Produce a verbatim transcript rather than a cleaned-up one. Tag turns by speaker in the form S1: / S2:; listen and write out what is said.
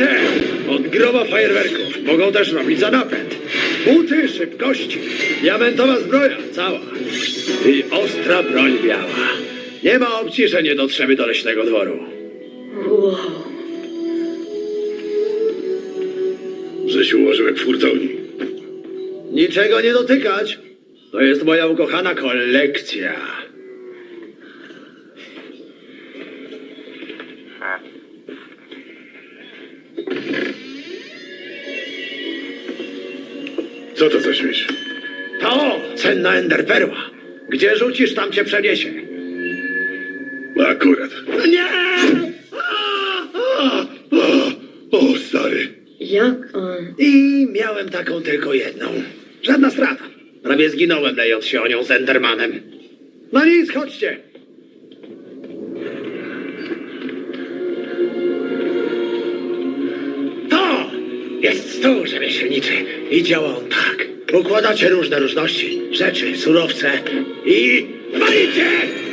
S1: te od groba fajerwerków. Mogą też robić za napęd. Buty szybkości. Diamentowa zbroja cała. I ostra broń biała. Nie ma opcji, że nie dotrzemy do leśnego dworu.
S2: Wow.
S3: Że się ułożył jak w hurtowni.
S1: Niczego nie dotykać. To jest moja ukochana kolekcja.
S3: Co to za śmieć?
S1: To cenna enderperła. Gdzie rzucisz, tam cię przeniesie.
S3: Akurat.
S1: Nie!
S3: O, o, stary.
S2: Jak on?
S1: I miałem taką tylko jedną. Żadna strata. Prawie zginąłem, lejąc się o nią z Endermanem. No nic, chodźcie. To jest stół rzemieślniczy i działa on tak. Układacie różne różności, rzeczy, surowce i walicie!